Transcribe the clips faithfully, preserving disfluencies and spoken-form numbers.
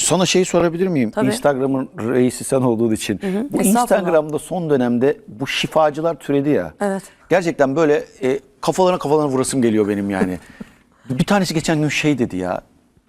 Sana şeyi sorabilir miyim? Tabii. Instagram'ın reisi sen olduğun için. Hı hı. Bu Estağfurullah. Instagram'da son dönemde bu şifacılar türedi ya. Evet. Gerçekten böyle e, kafalarına kafalarına vurasım geliyor benim yani. Bir tanesi geçen gün şey dedi ya.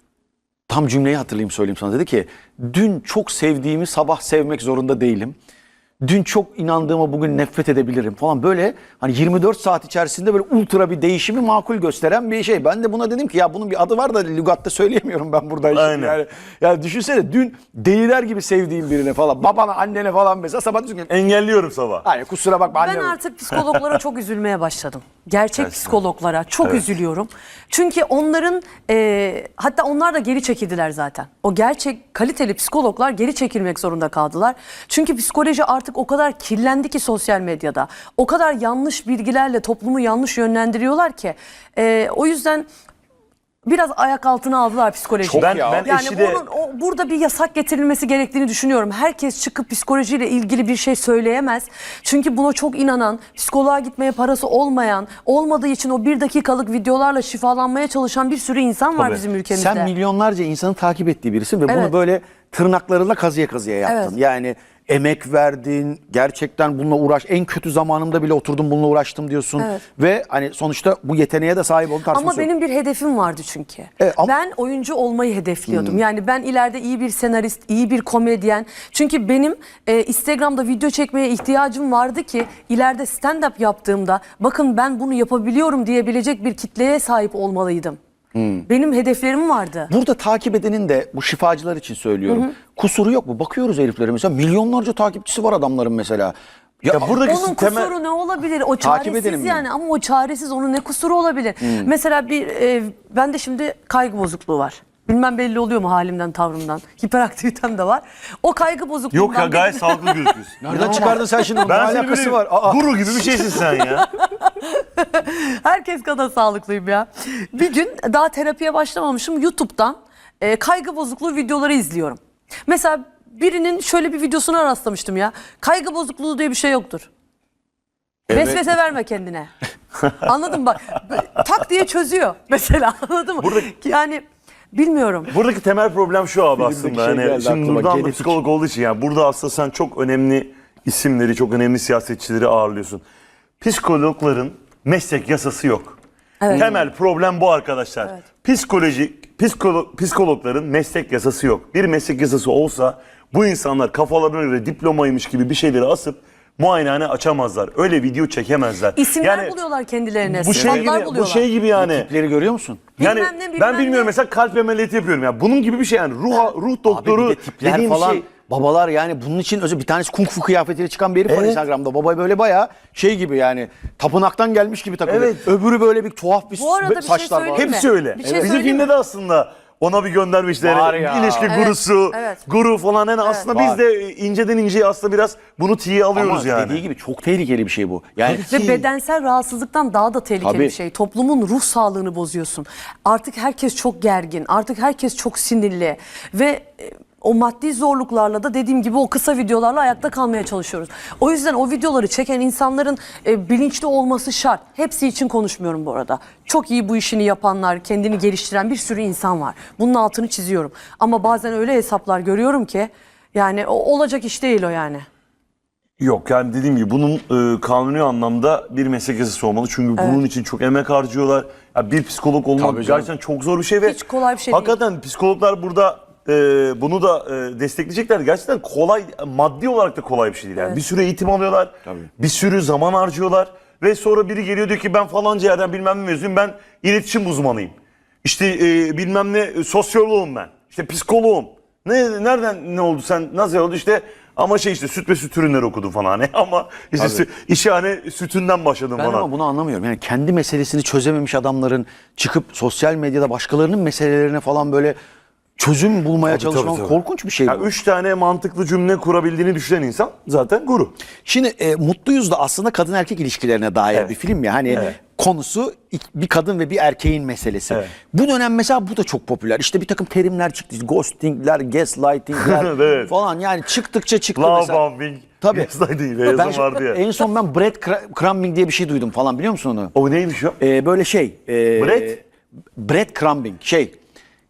Tam cümleyi hatırlayayım söyleyeyim sana. Dedi ki dün çok sevdiğimi sabah sevmek zorunda değilim. Dün çok inandığıma bugün nefret edebilirim falan, böyle hani yirmi dört saat içerisinde böyle ultra bir değişimi makul gösteren bir şey. Ben de buna dedim ki ya bunun bir adı var da lügatta söyleyemiyorum ben burada. Aynen. Yani, yani düşünsene dün deliler gibi sevdiğim birine falan, babana annene falan mesela sabah diyorsun ki Engelliyorum sabah. hayır kusura bakma Ben anne. artık psikologlara çok üzülmeye başladım. Gerçek Gerçekten. psikologlara çok Evet. üzülüyorum. Çünkü onların e, hatta onlar da geri çekildiler zaten. O gerçek kaliteli psikologlar geri çekilmek zorunda kaldılar. Çünkü psikoloji artık o kadar kirlendi ki sosyal medyada. O kadar yanlış bilgilerle toplumu yanlış yönlendiriyorlar ki. E, o yüzden biraz ayak altına aldılar psikolojiyi. Çok Ben, ya. ben Yani eşi de onun, o, burada bir yasak getirilmesi gerektiğini düşünüyorum. Herkes çıkıp psikolojiyle ilgili bir şey söyleyemez. Çünkü buna çok inanan, psikoloğa gitmeye parası olmayan, olmadığı için o bir dakikalık videolarla şifalanmaya çalışan bir sürü insan var Tabii. bizim ülkemizde. Sen milyonlarca insanı takip ettiği birisin ve Evet. bunu böyle tırnaklarıyla kazıya kazıya yaptın. Evet. Yani emek verdin, gerçekten bununla uğraş. En kötü zamanımda bile oturdum bununla uğraştım diyorsun. Evet. Ve hani sonuçta bu yeteneğe de sahip oldun. Ama benim bir hedefim vardı çünkü. Evet, ama- Ben oyuncu olmayı hedefliyordum. Yani ben ileride iyi bir senarist, iyi bir komedyen. Çünkü benim e, Instagram'da video çekmeye ihtiyacım vardı ki ileride stand-up yaptığımda bakın ben bunu yapabiliyorum diyebilecek bir kitleye sahip olmalıydım. Benim hedeflerim vardı. Burada takip edenin de bu şifacılar için söylüyorum. Kusuru yok mu? Bakıyoruz heriflere mesela milyonlarca takipçisi var adamların mesela. Ya, Ya buradaki Onun temel kusuru ne olabilir? O Takip edelim çaresiz mi? yani ama o çaresiz, onun ne kusuru olabilir? Mesela bir e, bende şimdi kaygı bozukluğu var. Bilmem belli oluyor mu halimden, tavrımdan. Hiperaktivitem de var. O kaygı bozukluğundan... yok ya, gayet sağlıklı gözüküyorsun. nereden çıkardın sen şimdi? Ne Ben seni alakası böyle var? Aa. guru gibi bir şeysin sen ya. Herkes kadar sağlıklıyım ya. Bir gün daha terapiye başlamamışım. YouTube'dan e, kaygı bozukluğu videoları izliyorum. Mesela birinin şöyle bir videosuna rastlamıştım ya. Kaygı bozukluğu diye bir şey yoktur. Evet. Vesvese verme kendine. Anladın mı? Bak tak diye çözüyor mesela, anladın mı? Burada- Yani bilmiyorum. Buradaki temel problem şu abi Filmdeki aslında. şey Yani geldi şimdi aklıma, Nurdan da genetik. psikolog olduğu için yani burada aslında sen çok önemli isimleri, çok önemli siyasetçileri ağırlıyorsun. Psikologların meslek yasası yok. Evet. Temel problem bu arkadaşlar. Evet. Psikolojik, psikolo- psikologların meslek yasası yok. Bir meslek yasası olsa bu insanlar kafalarına göre diplomaymış gibi bir şeyleri asıp muayenehane açamazlar. Öyle video çekemezler. İsimler Yani buluyorlar kendilerine. bu şey sıfatlar gibi, bu buluyorlar. şey gibi yani. Tipleri görüyor musun? Yani Bilmem ne, bilmem ben bilmiyorum ne. mesela kalp ameliyatı yapıyorum ya. Bunun gibi bir şey yani ruh ruh Abi doktoru bir de tipler dediğim falan şey. babalar yani bunun için özel bir tanesi kung fu kıyafetiyle çıkan bir herif var Evet. Instagram'da. Baba böyle bayağı şey gibi yani tapınaktan gelmiş gibi takılıyor. Evet. Öbürü böyle bir tuhaf bir Bu arada bir şey saçlar var. söyleyeyim mi? Hepsi öyle. Bir şey Bizim söyleyeyim filmde de aslında ona bir göndermişler. Var ya. İlişki Evet, gurusu, evet. guru falan. Yani aslında Var. biz de inceden inceye aslında biraz bunu tiye alıyoruz Ama yani. dediği gibi çok tehlikeli bir şey bu. Yani Ve bedensel rahatsızlıktan daha da tehlikeli Tabii. bir şey. Toplumun ruh sağlığını bozuyorsun. Artık herkes çok gergin. Artık herkes çok sinirli. Ve e, o maddi zorluklarla da dediğim gibi o kısa videolarla ayakta kalmaya çalışıyoruz. O yüzden o videoları çeken insanların e, bilinçli olması şart. Hepsi için konuşmuyorum bu arada. Çok iyi bu işini yapanlar, kendini geliştiren bir sürü insan var. Bunun altını çiziyorum. Ama bazen öyle hesaplar görüyorum ki yani o, olacak iş değil o yani. Yok yani dediğim gibi bunun e, kanuni anlamda bir meslek yasası olmalı. Çünkü bunun için çok emek harcıyorlar. Ya bir psikolog olmak Tabii canım. gerçekten çok zor bir şey ve Hiç kolay bir şey değil. hakikaten psikologlar burada e, bunu da e, destekleyecekler. Gerçekten kolay, maddi olarak da kolay bir şey değil. Yani bir sürü eğitim alıyorlar. Tabii. Bir sürü zaman harcıyorlar ve sonra biri geliyor diyor ki ben falanca yerden bilmem ne mezunuyum. Ben iletişim uzmanıyım. İşte e, bilmem ne e, sosyoloğum ben. İşte psikoloğum. Ne nereden ne oldu sen nasıl oldu işte ama şey işte süt ve süt ürünleri okudum falan hani ama işte sü, işe hani sütünden başladım ben falan. ama bunu anlamıyorum. Yani kendi meselesini çözememiş adamların çıkıp sosyal medyada başkalarının meselelerine falan böyle çözüm bulmaya Tabii, çalışmak tabii, tabii. korkunç bir şey bu. Ya üç tane mantıklı cümle kurabildiğini düşünen insan zaten guru. Şimdi e, Mutluyuz da aslında kadın erkek ilişkilerine dair Evet. bir film ya. Hani Evet. konusu bir kadın ve bir erkeğin meselesi. Evet. Bu dönem mesela bu da çok popüler. İşte bir takım terimler çıktı. Ghostingler, gaslightingler Evet. falan yani çıktıkça çıktı Love mesela. bombing. Tabii. Gaslight değil. Ben Yazan şu- vardı ya. en son ben bread crumbing diye bir şey duydum falan, biliyor musun onu? O neymiş o? E, böyle şey. E, Bread? bread crumbing şey.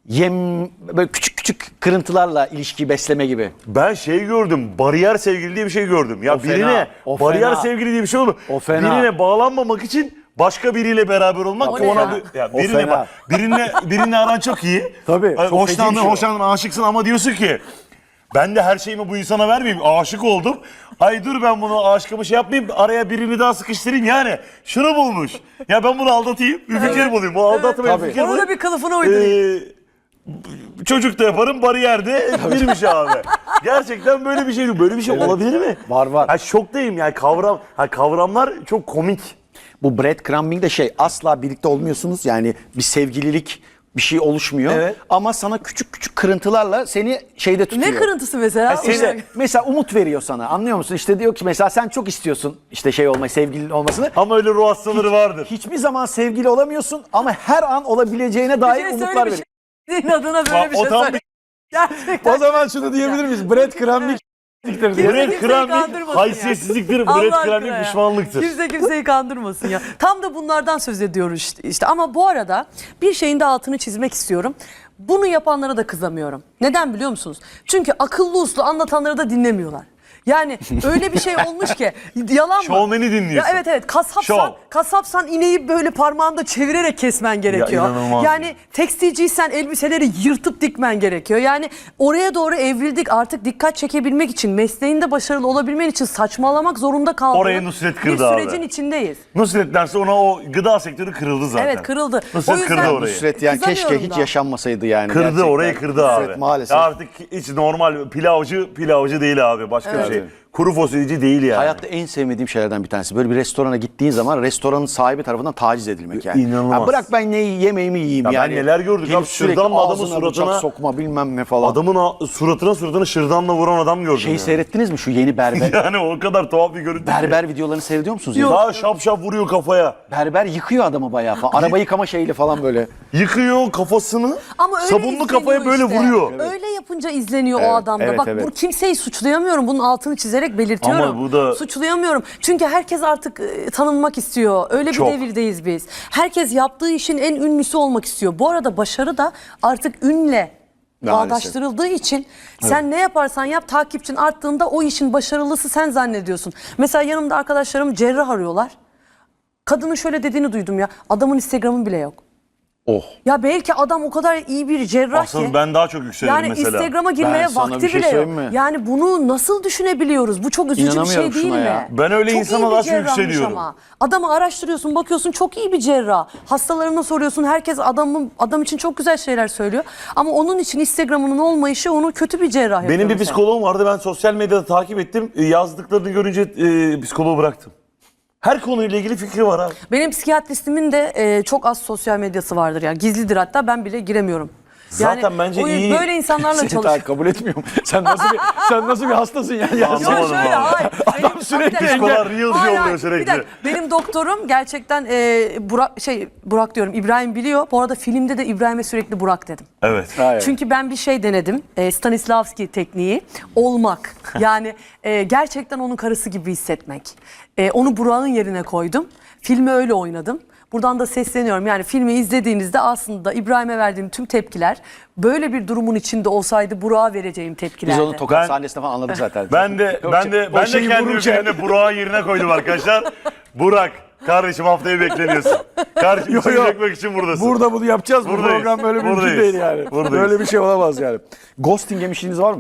yem böyle küçük küçük kırıntılarla ilişki besleme gibi. Ben şey gördüm. Bariyer sevgili diye bir şey gördüm. Ya O fena, birine o bariyer fena. sevgili diye bir şey olur. O fena. Birine bağlanmamak için başka biriyle beraber olmak. O ne ona ya? bir- ya O birine fena. bak. Birine birine aran çok iyi. Tabii, Ay, çok feci bir hoşlandın, şey o. hoşlandın, aşıksın ama diyorsun ki ben de her şeyimi bu insana vermeyeyim. Aşık oldum. Ay dur ben bunu aşkımı şey yapmayayım. Araya birini daha sıkıştırayım yani. Şunu bulmuş. Ya ben bunu aldatayım. Bir fikir bulayım. Bu aldatmaya Tabii. fikir Onu da bulayım. bir kılıfına uydurayım. Ee, çocuk da yaparım bariyerde birmiş abi. Gerçekten böyle bir şey böyle bir şey olabilir mi? Var, var. Ha, şoktayım yani kavram ha, kavramlar çok komik. Bu breadcrumbing de şey, asla birlikte olmuyorsunuz. Yani bir sevgililik bir şey oluşmuyor. Evet. Ama sana küçük küçük kırıntılarla seni şeyde tutuyor. Ne kırıntısı mesela? Ha, İşte mesela umut veriyor sana, anlıyor musun? İşte diyor ki mesela sen çok istiyorsun işte şey olmayı, sevgilinin olmasını. Ama öyle ruh hastaları vardır. Hiçbir zaman sevgili olamıyorsun ama her an olabileceğine Bir dair şey umutlar söyle bir veriyor. şey. Senin adına böyle Bak, bir o şey tam söyle. Gerçekten. O zaman şunu diyebilir miyiz? Breadcrumbing diye. Kimse Bread kimseyi crumbing kandırmasın haysiyetsizliktir, Allah bread aşkına crumbing ya. pişmanlıktır. Kimse kimseyi kandırmasın ya. Tam da bunlardan söz ediyoruz işte- işte. Ama bu arada bir şeyin de altını çizmek istiyorum. Bunu yapanlara da kızamıyorum. Neden biliyor musunuz? Çünkü akıllı uslu anlatanları da dinlemiyorlar. Yani öyle bir şey olmuş ki yalan mı? Şovmeni dinliyorsun. Ya evet evet kasapsan Şov. kasapsan ineği böyle parmağında çevirerek kesmen gerekiyor. inanılmaz. Yani tekstilciysen elbiseleri yırtıp dikmen gerekiyor. Yani oraya doğru evrildik, artık dikkat çekebilmek için, mesleğinde başarılı olabilmen için saçmalamak zorunda kaldığın Orayı Nusret bir kırdı abi. sürecin içindeyiz. Nusret derse ona o gıda sektörü kırıldı zaten. Evet, kırıldı. Nusret O yüzden- kırdı orayı. Nusret yani keşke Kızamıyorum hiç da. yaşanmasaydı yani. Kırdı gerçekten. orayı kırdı Nusret abi. maalesef. Ya artık hiç normal pilavcı pilavcı değil abi başka bir şey. Kuru fasulyeci değil yani. Hayatta en sevmediğim şeylerden bir tanesi. Böyle bir restorana gittiğin zaman restoranın sahibi tarafından taciz edilmek yani. İnanılmaz. Ya bırak ben ne yemeğimi yiyeyim Ya ben yani. neler gördük Gelip abi, sürekli şırdanla adamın ağzına suratına- bıçak sokma bilmem ne falan. Adamın a- suratına suratına şırdanla vuran adam gördüm. Şeyi yani. seyrettiniz mi şu yeni berber? Yani o kadar tuhaf bir görüntü. ki. berber videolarını seyrediyor musunuz? Yok. ya? Daha şap şap vuruyor kafaya. Berber yıkıyor adamı bayağı falan. Araba yıkama şeyiyle falan böyle. Yıkıyor kafasını. Ama öyle sabunlu kafaya böyle izleniyor işte. vuruyor. Öyle yapınca izleniyor o Evet, adamda. evet, Bak evet. bu kimseyi suçlayamıyorum. Bunun altını çizerek belirtiyorum. Ama bu da- Suçlayamıyorum. Çünkü herkes artık e, tanınmak istiyor. Öyle bir Çok. devirdeyiz biz. Herkes yaptığı işin en ünlüsü olmak istiyor. Bu arada başarı da artık ünle Maalesef. bağdaştırıldığı için sen ne yaparsan yap, takipçin arttığında o işin başarılısı sen zannediyorsun. Mesela yanımda arkadaşlarım cerrah arıyorlar. Kadının şöyle dediğini duydum ya. Adamın Instagram'ı bile yok. Oh. Ya belki adam o kadar iyi bir cerrah ki. Aslında ben daha çok yükselirim Yani mesela. Instagram'a girmeye Ben sana vakti bir şey bile yok. söyleyeyim mi? Yani bunu nasıl düşünebiliyoruz? Bu çok üzücü bir şey İnanamıyorum değil şuna mi? ya. Ben öyle çok insana iyi bir daha çok cerrahmış yükseliyorum. Ama. Adamı araştırıyorsun, bakıyorsun çok iyi bir cerrah. Hastalarına soruyorsun, herkes adamın adam için çok güzel şeyler söylüyor. Ama onun için Instagram'ının olmayışı onu kötü bir cerrah yapıyor. Benim bir mesela. psikoloğum vardı, ben sosyal medyada takip ettim. E, Yazdıklarını görünce e, psikoloğu bıraktım. Her konuyla ilgili fikri var abi. Benim psikiyatristimin de e, çok az sosyal medyası vardır yani gizlidir, hatta ben bile giremiyorum. Zaten bence o- iyi- Böyle insanlarla Seni çalışıyor. daha kabul etmiyorum. Sen nasıl bir sen nasıl bir hastasın ya? ya Anlamadım. Şöyle, şöyle, vallahi. hayır. Benim- sürekli bir dakika. psikoloğa reels Hayır, yolluyor hayır. sürekli. Bir dakika. Benim doktorum gerçekten e, Burak şey Burak diyorum, İbrahim biliyor. Bu arada filmde de İbrahim'e sürekli Burak dedim. Evet. Hayır. Çünkü ben bir şey denedim. E, Stanislavski tekniği. Olmak. Yani e, gerçekten onun karısı gibi hissetmek. E, onu Burak'ın yerine koydum. Filmi öyle oynadım. Buradan da sesleniyorum. Yani filmi izlediğinizde aslında İbrahim'e verdiğim tüm tepkiler böyle bir durumun içinde olsaydı Burak'a vereceğim tepkilerdi. Biz onu tokat Ben- sahnesinde falan anladık zaten. Ben de O ben şey- de o ben de şeyi kendimi vururken- filmde Burak'ın yerine koydum arkadaşlar. Burak, kardeşim haftaya bekleniyorsun. Kardeşim Yo, seni yo. çekmek için buradasın. Burada bunu yapacağız. Bu Buradayız. program böyle mümkün Buradayız. değil yani. Buradayız. Böyle bir şey olamaz yani. Ghosting yemişliğiniz var mı?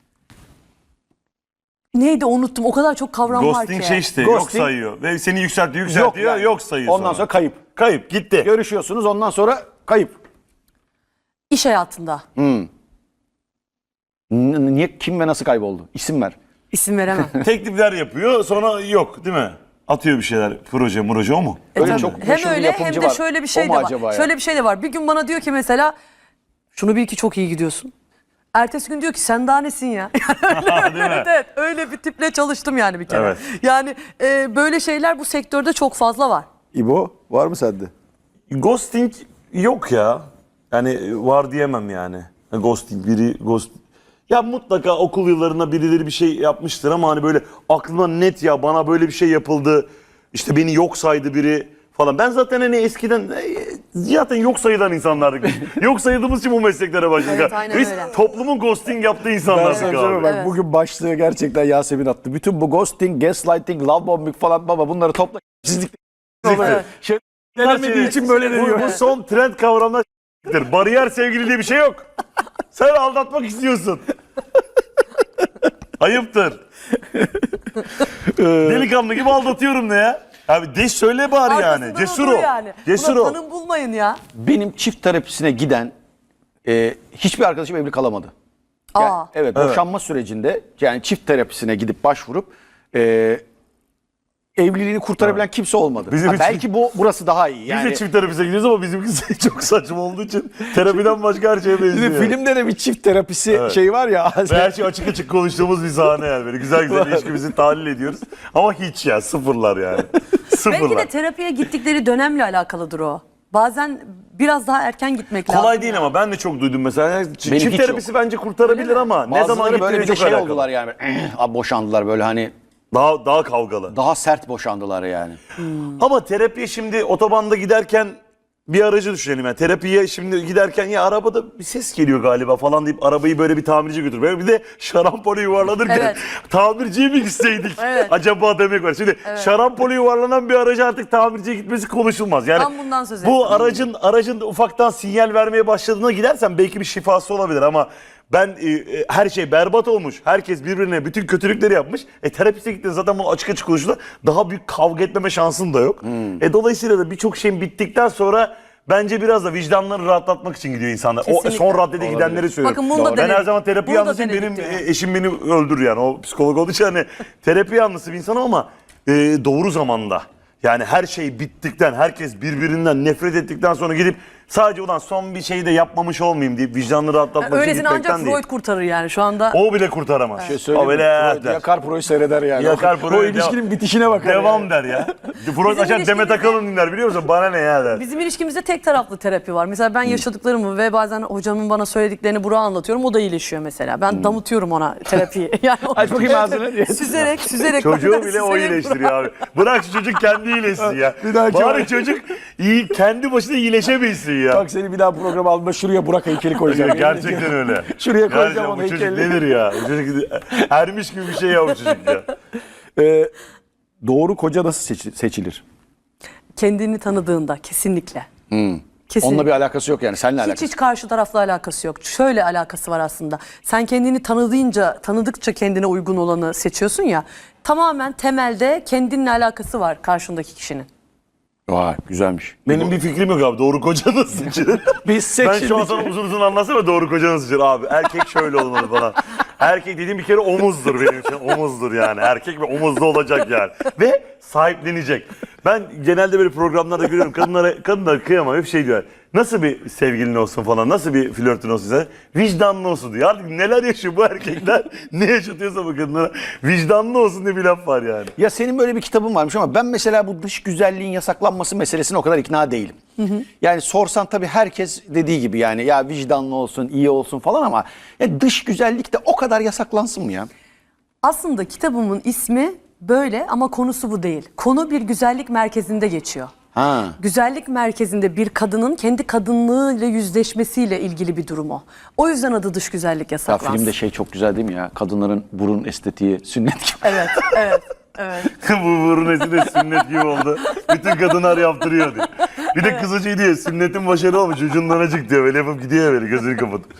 Neydi, unuttum. O kadar çok kavram var Ghosting ki. şey işte yok Ghosting- sayıyor. Ve seni yükseltiyor yükseltiyor yok, yani. sayıyor Ondan sonra kayıp. Kayıp gitti. Görüşüyorsunuz ondan sonra kayıp. İş hayatında. N- Niye, kim ve nasıl kayboldu? İsim ver. İsim veremem. Teklifler yapıyor sonra yok değil mi? Atıyor bir şeyler, proje proje o mu? E Öyle tabii. çok hem meşhur bir öyle hem yapımcı de var. şöyle bir O şey mu de var. acaba ya? Şöyle bir şey de var. Bir gün bana diyor ki mesela şunu bil ki çok iyi gidiyorsun. Ertesi gün diyor ki sen daha nesin ya? Değil mi? evet, evet, öyle bir tiple çalıştım yani bir kere. Evet. Yani e, böyle şeyler bu sektörde çok fazla var. İbo var mı sende? Ghosting yok ya. Yani var diyemem yani. Ghosting biri ghost. Ya mutlaka okul yıllarında birileri bir şey yapmıştır ama hani böyle aklına net ya bana böyle bir şey yapıldı. İşte beni yok saydı biri falan. Ben zaten hani eskiden e, zaten yok sayılan insanlardık. biz. Yok sayıldığımız için bu mesleklere başladık. Evet, aynen Biz öyle. toplumun ghosting yaptığı Ben insanlardık sana abi. söyleyeyim, bak Evet. bugün başlığı gerçekten Yasemin attı. Bütün bu ghosting, gaslighting, love bombing falan baba bunları topla. Sizlik Evet. şey denemediği için böyle bu, deniyor. bu son trend kavramlar s**tir. Bariyer sevgili diye bir şey yok. Sen aldatmak istiyorsun. Ayıptır. Delikanlı gibi aldatıyorum ne ya? Abi de söyle bari yani. Arkasından Cesur odur ol. yani. Cesur Buna ol. tanım bulmayın ya. Benim çift terapisine giden e, hiçbir arkadaşım evli kalamadı. Yani, Aa. evet, boşanma sürecinde yani çift terapisine gidip başvurup e, evliliğini kurtarabilen kimse olmadı. Bizim Ha, için- belki bu burası daha iyi. Biz Yani de çift terapise gidiyoruz ama bizimkisi çok saçma olduğu için terapiden başka her şeye benziyor. Bizim filmde de bir çift terapisi şeyi var ya. Ve her şey açık açık konuştuğumuz bir sahne yani. Böyle güzel güzel ilişkimizi tahlil ediyoruz. Ama hiç ya sıfırlar yani. Belki Sıfırlar. de terapiye gittikleri dönemle alakalıdır o. Bazen biraz daha erken gitmek lazım. Kolay değil ya. ama ben de çok duydum mesela. Ç- Benim Çift hiç terapisi bence kurtarabilir ama ne zaman Bazıları böyle gittiğine bir de çok şey alakalı. oldular yani. Abi boşandılar böyle hani Daha, daha kavgalı. daha sert boşandılar yani. Ama terapiye şimdi otobanda giderken bir aracı düşünelim yani. Terapiye şimdi giderken ya arabada bir ses geliyor galiba falan deyip arabayı böyle bir tamirci götür. Böyle bir de şarampole yuvarlanırken Evet. tamirciye mi gitseydik Evet. acaba demek var. Şimdi şarampole yuvarlanan bir aracı artık tamirciye gitmesi konuşulmaz. Yani Tam bundan söz bu ettim. aracın aracın ufaktan sinyal vermeye başladığına gidersen belki bir şifası olabilir ama ben e, e, her şey berbat olmuş. Herkes birbirine bütün kötülükleri yapmış. E terapiste gittin zaten bunu açık açık konuştular. Daha büyük kavga etmeme şansın da yok. E dolayısıyla da birçok şeyin bittikten sonra bence biraz da vicdanları rahatlatmak için gidiyor insanlar. O Kesinlikle. son raddede gidenleri söylüyorum. Bakın bunu da Ben denedik. her zaman terapi Bunu da yanlısıyım. denedik Benim diyor. e, eşim beni öldürür yani. O psikolog olduğu için hani terapi yanlısı bir insanım ama e, doğru zamanda. Yani her şey bittikten, herkes birbirinden nefret ettikten sonra gidip sadece ulan son bir şey de yapmamış olmayayım deyip vicdanını rahatlatmak için Öylesine gitmekten ancak değil. Freud kurtarır yani şu anda. O bile kurtaramaz. Şey söyleyeyim o mi? bile Freud yakar Pro'yu seyreder yani. Yakar o, Pro'yu o ilişkinin bitişine bakar. Devam yani. der ya. Freud açar Demet ilişkimizde- Akalın dinler biliyor musun? Bana ne ya der. Bizim ilişkimizde tek taraflı terapi var. Mesela ben yaşadıklarımı ve bazen hocamın bana söylediklerini Burak'a anlatıyorum. O da iyileşiyor mesela. Ben damıtıyorum ona terapiyi. Yani Aç bakayım ağzını diye. Süzerek, süzerek. Çocuğu bana bile o süzerek iyileştiriyor abi. Bırak şu çocuk kendi iyileşsin ya. Bir dahaki Bari var. çocuk iyi kendi başına iyileşebilsin ya. Bak seni bir daha programa alma şuraya Burak heykeli koyacağım. Gerçekten öyle. Şuraya koyacağım Gerçekten onu bu çocuk heykelini. nedir ya? Bu çocuk ermiş gibi bir şey ya bu çocuk ya. Ee, doğru koca nasıl seçi- seçilir? Kendini tanıdığında kesinlikle. Kesinlikle. Onunla bir alakası yok yani. Seninle Hiç alakası. hiç karşı tarafla alakası yok. Şöyle alakası var aslında. Sen kendini tanıdığınca, tanıdıkça kendine uygun olanı seçiyorsun ya. Tamamen temelde kendinle alakası var karşındaki kişinin. Vay güzelmiş. Benim bir fikrim yok abi. Doğru koca nasıl seçilir? Biz Ben şu an seçildik. sana uzun uzun anlatsam doğru koca nasıl seçilir abi. Erkek şöyle olmalı falan. Erkek dediğim bir kere omuzdur benim için. Omuzdur yani. Erkek ve omuzlu olacak yani. Ve sahiplenecek. Ben genelde böyle programlarda görüyorum. Kadınlara, kadınlara kıyamam. Hep şey diyor. Nasıl bir sevgilin olsun falan. Nasıl bir flörtün olsun size? Vicdanlı olsun diyor. Artık neler yaşıyor bu erkekler? Ne yaşatıyorsa bu kadınlara. Vicdanlı olsun diye bir laf var yani. Ya senin böyle bir kitabın varmış ama ben mesela bu dış güzelliğin yasaklanması meselesine o kadar ikna değilim. Yani sorsan tabii herkes dediği gibi yani ya vicdanlı olsun, iyi olsun falan ama ya dış güzellik de o kadar yasaklansın mı ya? Aslında kitabımın ismi böyle ama konusu bu değil. Konu bir güzellik merkezinde geçiyor. Ha. Güzellik merkezinde bir kadının kendi kadınlığıyla yüzleşmesiyle ilgili bir durum o. O yüzden adı dış güzellik Ya yasaklansın. filmde şey çok güzel değil mi ya? Kadınların burun estetiği sünnet gibi. Evet, evet, evet. Bu burun esi de sünnet gibi oldu. Bütün kadınlar yaptırıyor diyor. Bir de kızı şey diyor. Sünnetin başarılı olmuş. Ucundan acık diyor. Böyle yapıp gidiyor böyle gözünü kapatıp.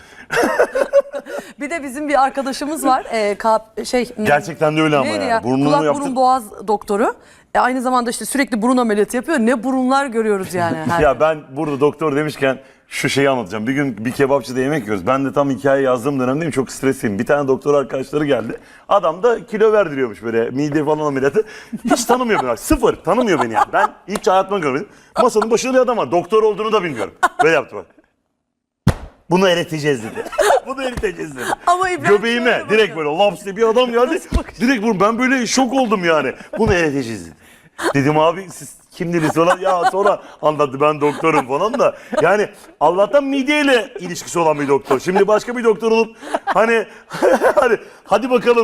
Bir de bizim bir arkadaşımız var. E, ka- şey Gerçekten de öyle ama neydi yani. ya? Burnunu Kulak yaptır- burun boğaz doktoru. E, aynı zamanda işte sürekli burun ameliyatı yapıyor. Ne burunlar görüyoruz yani. Her Ya ben burada doktor demişken şu şeyi anlatacağım. Bir gün bir kebapçıda yemek yiyoruz. Ben de tam hikaye yazdığım dönemdeyim. Çok stresliyim. Bir tane doktor arkadaşları geldi. Adam da kilo verdiriyormuş böyle mide falan ameliyatı. Hiç tanımıyor beni. Sıfır. Tanımıyor beni yani. Ben hiç hayatımda görmedim. Masanın başında bir adam var. Doktor olduğunu da bilmiyorum. Böyle yaptı bak. Bunu eriteceğiz dedi. Bunu eriteceğiz dedi. Ama İbrahim Göbeğime şöyle direkt bakıyor. böyle laps diye bir adam geldi. Direkt vur. Ben böyle şok oldum yani. Bunu eriteceğiz dedi. Dedim abi siz kimdiniz falan. Ya sonra anlattı ben doktorum falan da. Yani Allah'tan mideyle ilişkisi olan bir doktor. Şimdi başka bir doktor olup hani hani hadi bakalım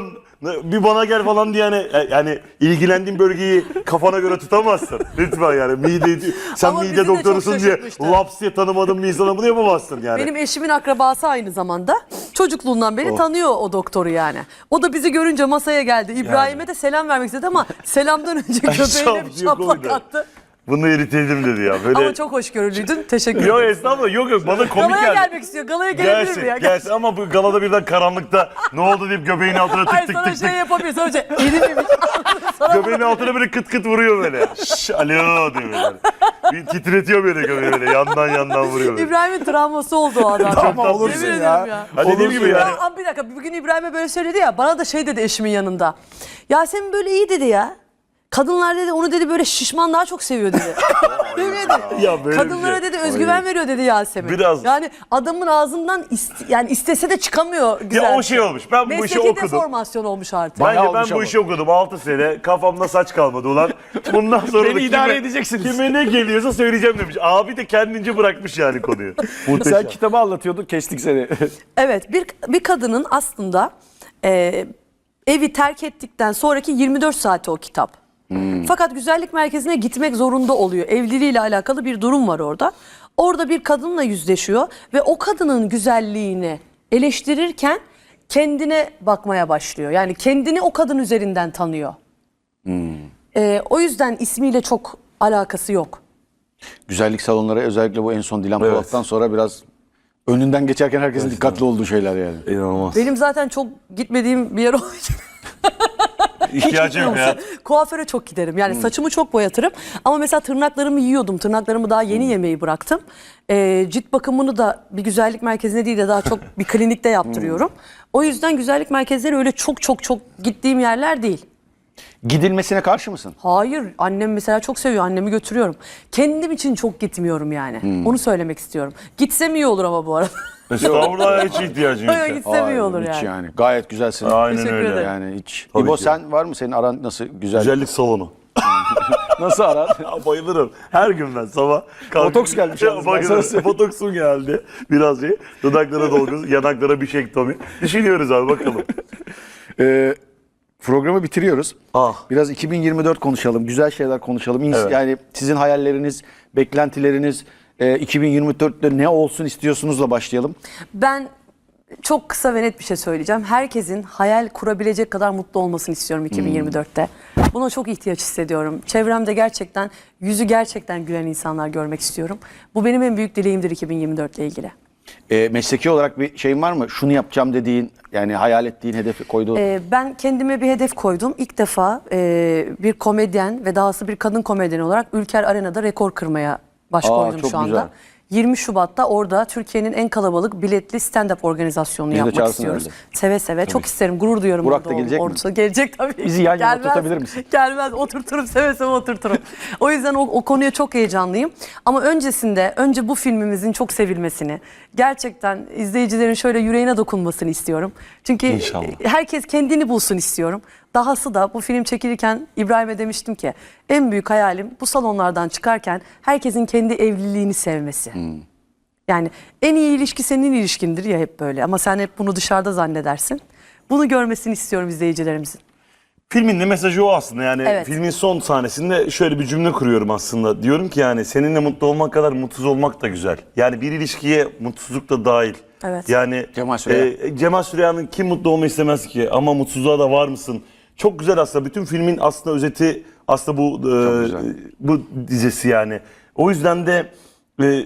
bir bana gel falan diye yani, yani ilgilendiğin bölgeyi kafana göre tutamazsın. Lütfen yani mide, sen Ama bizi mide de doktorusun çok diye şaşırtmıştı. laps diye tanımadığın bir insana bunu yapamazsın yani. Benim eşimin akrabası aynı zamanda. Çocukluğundan beri Oh. tanıyor o doktoru yani. O da bizi görünce masaya geldi. İbrahim'e de selam vermek istedi ama selamdan önce göbeğine bir Şap diye şaplak koydu. attı. Bunu eriteydim dedi ya. Böyle... Ama çok hoşgörülüydün. Teşekkür Yok ederim. estağfurullah, yok yok, bana komik Galaya geldi. gelmek istiyor. Galaya gelebilir mi ya? Gelsin, gelsin ama bu galada birden karanlıkta ne oldu deyip göbeğin altına tık Hayır tık sana tık şey tık. yapamıyor. Sana şey erimemiş. Sana Göbeğin altına böyle kıt kıt vuruyor böyle. Şşş, alo diyor böyle. Bir titretiyor böyle göbeği böyle, yandan yandan vuruyor böyle. İbrahim'in travması oldu o adam. Tamam, Yemin olursun ederim ya. ya. Ha, dediğim gibi yani. Ya, ama bir dakika bugün İbrahim'e böyle söyledi ya, bana da şey dedi eşimin yanında. Yasemin böyle iyi dedi ya. Kadınlar dedi onu dedi böyle şişman daha çok seviyor dedi. Yemin ederim. Ya böyle bir Kadınlara şey. dedi özgüven veriyor dedi Yasemin. Biraz- Yani adamın ağzından iste- yani istese de çıkamıyor güzel. Ya o şey olmuş, ben bu işi Mesleki okudum. deformasyon olmuş artık. Bayağı Bence ben olmuş bu ama. işi okudum altı sene. Kafamda saç kalmadı ulan. Bundan sonra Beni da idare kime, edeceksiniz. kime ne geliyorsa söyleyeceğim demiş. Abi de kendince bırakmış yani konuyu. Muhteşem. Sen kitabı anlatıyordun, kestik seni. Evet, bir bir kadının aslında e, evi terk ettikten sonraki yirmi dört saati o kitap. Fakat güzellik merkezine gitmek zorunda oluyor. Evliliğiyle alakalı bir durum var orada. Orada bir kadınla yüzleşiyor ve o kadının güzelliğini eleştirirken kendine bakmaya başlıyor. Yani kendini o kadın üzerinden tanıyor. E, o yüzden ismiyle çok alakası yok. Güzellik salonları özellikle bu en son Dilan Evet. Polat'tan sonra biraz önünden geçerken herkesin dikkatli olduğu şeyler yani. İnanılmaz. Benim zaten çok gitmediğim bir yer olduğu için İhtiyacım yok ya. kuaföre çok giderim. Yani saçımı çok boyatırım. Ama mesela tırnaklarımı yiyordum. Tırnaklarımı daha yeni yemeyi bıraktım. Ee, cilt bakımını da bir güzellik merkezine değil de daha çok bir klinikte yaptırıyorum. O yüzden güzellik merkezleri öyle çok çok çok gittiğim yerler değil. Gidilmesine karşı mısın? Hayır. Annem mesela çok seviyor. Annemi götürüyorum. Kendim için çok gitmiyorum yani. Onu söylemek istiyorum. Gitsem iyi olur ama bu arada. Estağfurullah, hiç ihtiyacım yok. Öyle ya. gitsem iyi olur hiç yani. Gayet güzelsin. Aynen Teşekkür öyle. ederim. Yani hiç. Tabii İbo ki. sen var mı, senin aran nasıl güzel? Güzellik salonu. Nasıl aran? Ya bayılırım. Her gün ben sabah kalkıp... Botoks gelmiş yalnız, ben sana Bayılırım. söyleyeyim. Botoksum geldi. Biraz şey. Dudaklara dolgu, yanaklara bir şey Tommy. Düşünüyoruz abi, bakalım. Ee, programı bitiriyoruz. Ah. Biraz iki bin yirmi dört konuşalım. Güzel şeyler konuşalım. İns- Evet. Yani sizin hayalleriniz, beklentileriniz, e, iki bin yirmi dörtte ne olsun istiyorsunuzla başlayalım. Ben çok kısa ve net bir şey söyleyeceğim. Herkesin hayal kurabilecek kadar mutlu olmasını istiyorum iki bin yirmi dörtte. Buna çok ihtiyaç hissediyorum. Çevremde gerçekten, yüzü gerçekten gülen insanlar görmek istiyorum. Bu benim en büyük dileğimdir iki bin yirmi dört ile ilgili. E, mesleki olarak bir şeyin var mı? Şunu yapacağım dediğin, yani hayal ettiğin, hedefi koyduğun. Ee, ben kendime bir hedef koydum. İlk defa e, bir komedyen ve dahası bir kadın komedyen olarak Ülker Arena'da rekor kırmaya baş Aa, koydum çok şu anda. güzel. yirmi Şubat'ta orada Türkiye'nin en kalabalık biletli stand-up organizasyonu Bizi de yapmak çağırsın istiyoruz. herhalde. Seve seve. Çok isterim. Gurur duyuyorum. Burak orada da gelecek ol- mi? orada. Gelecek tabii. Bizi yan yana Gelmez. tutabilir misin? Gelmez. Oturturum. Seve seve oturturum. O yüzden o, o konuya çok heyecanlıyım. Ama öncesinde önce bu filmimizin çok sevilmesini, gerçekten izleyicilerin şöyle yüreğine dokunmasını istiyorum. Çünkü İnşallah. herkes kendini bulsun istiyorum. Dahası da bu film çekilirken İbrahim'e demiştim ki en büyük hayalim bu salonlardan çıkarken herkesin kendi evliliğini sevmesi. Yani en iyi ilişki senin ilişkindir ya, hep böyle, ama sen hep bunu dışarıda zannedersin. Bunu görmesini istiyorum izleyicilerimizin. Filmin de mesajı o aslında yani. Evet. Filmin son sahnesinde şöyle bir cümle kuruyorum aslında. Diyorum ki yani seninle mutlu olmak kadar mutsuz olmak da güzel. Yani bir ilişkiye mutsuzluk da dahil. Evet. Yani Cemal Süreya. e, Cemal Süreya'nın kim mutlu olmayı istemez ki, ama mutsuzluğa da var mısın? Çok güzel aslında. Bütün filmin aslında özeti aslında bu e, güzel. bu dizesi yani. O yüzden de e,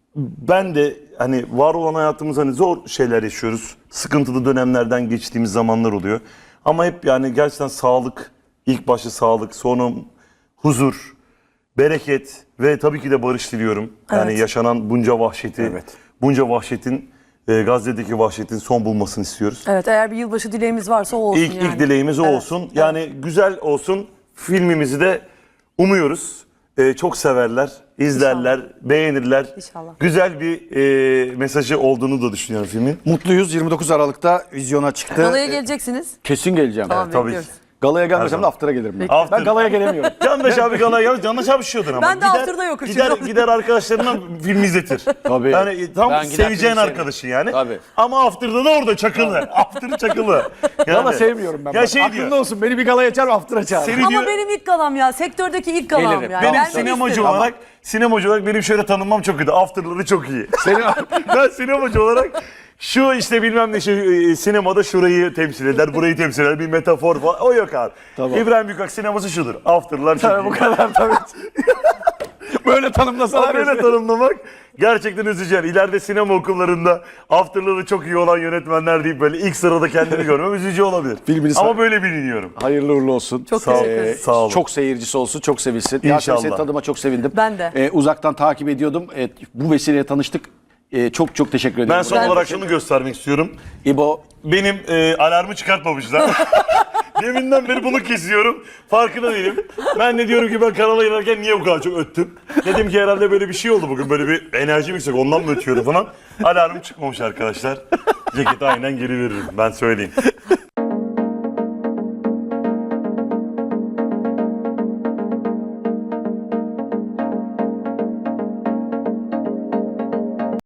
ben de hani var olan hayatımız, hani zor şeyler yaşıyoruz. Sıkıntılı dönemlerden geçtiğimiz zamanlar oluyor. Ama hep yani gerçekten sağlık, ilk başta sağlık, sonra huzur, bereket ve tabii ki de barış diliyorum. Yani Evet. yaşanan bunca vahşeti, Evet. bunca vahşetin, e, Gazze'deki vahşetin son bulmasını istiyoruz. Evet, eğer bir yılbaşı dileğimiz varsa o olsun İlk, yani. ilk dileğimiz o Evet. olsun. Yani güzel olsun. Filmimizi de umuyoruz. Ee, çok severler, izlerler, beğenirler. İnşallah. Güzel bir e, mesajı olduğunu da düşünüyorum filmin. Mutluyuz. yirmi dokuz Aralık'ta vizyona çıktı. Galaya E, geleceksiniz. Kesin geleceğim. Tamam, tabii bekliyoruz. ki. Galaya gelmesem de zaman. after'a gelirim ben. After. Ben galaya gelemiyorum. Candaş abi galaya gelmez. Candaş abi şişiyordun ama. Ben de after'da yokum gider, şimdi. gider arkadaşlarına film izletir. Tabii. Yani e, tam Ben gider seveceğin film arkadaşın yani. Tabii. Ama after'da da orada çakılı. After'ı çakılı. Yani, Gala sevmiyorum ben. Ya bak. şey Aklında diyor. olsun beni bir galaya çağır after'a çağır. Seni Ama diyor, benim ilk galam ya. Sektördeki ilk galam Gelirim. yani. benim Gelmek sinemacı isterim. olarak sinemacı olarak benim şöyle tanınmam çok kötü. After'ları çok iyi. Senin Ben sinemacı olarak şu işte bilmem ne şey e, sinemada şurayı temsil eder, burayı temsil eder, bir metafor falan. O yok abi. Tamam. İbrahim Büyükak sineması şudur. After'lar çok Tabii iyi. bu kadar tabii. Böyle tanımlasalar. Böyle resmen. tanımlamak gerçekten üzücü. Yani İleride sinema okullarında after'ları çok iyi olan yönetmenler deyip böyle ilk sırada kendimi görmem üzücü olabilir. Filmini Ama sa- böyle biliniyorum. Hayırlı uğurlu olsun. Çok Sağ ol. teşekkür ederim. Sağ olun. Çok seyircisi olsun, çok sevilsin. İnşallah. Gerçekten seni tanıma çok sevindim. Ben de. Ee, uzaktan takip ediyordum. Evet, bu vesileyle tanıştık. Ee, çok çok teşekkür ederim. Ben son Ben- olarak şunu göstermek istiyorum. İbo, Benim e, alarmı çıkartmamışlar. Deminden beri bunu kesiyorum. Farkında değilim. Ben de diyorum ki ben kanala girerken niye bu kadar çok öttüm? Dedim ki herhalde böyle bir şey oldu bugün. Böyle bir enerjim yüksek ondan mı ötüyorum falan. Alarmım çıkmamış arkadaşlar. Ceketi aynen geri veririm ben söyleyeyim.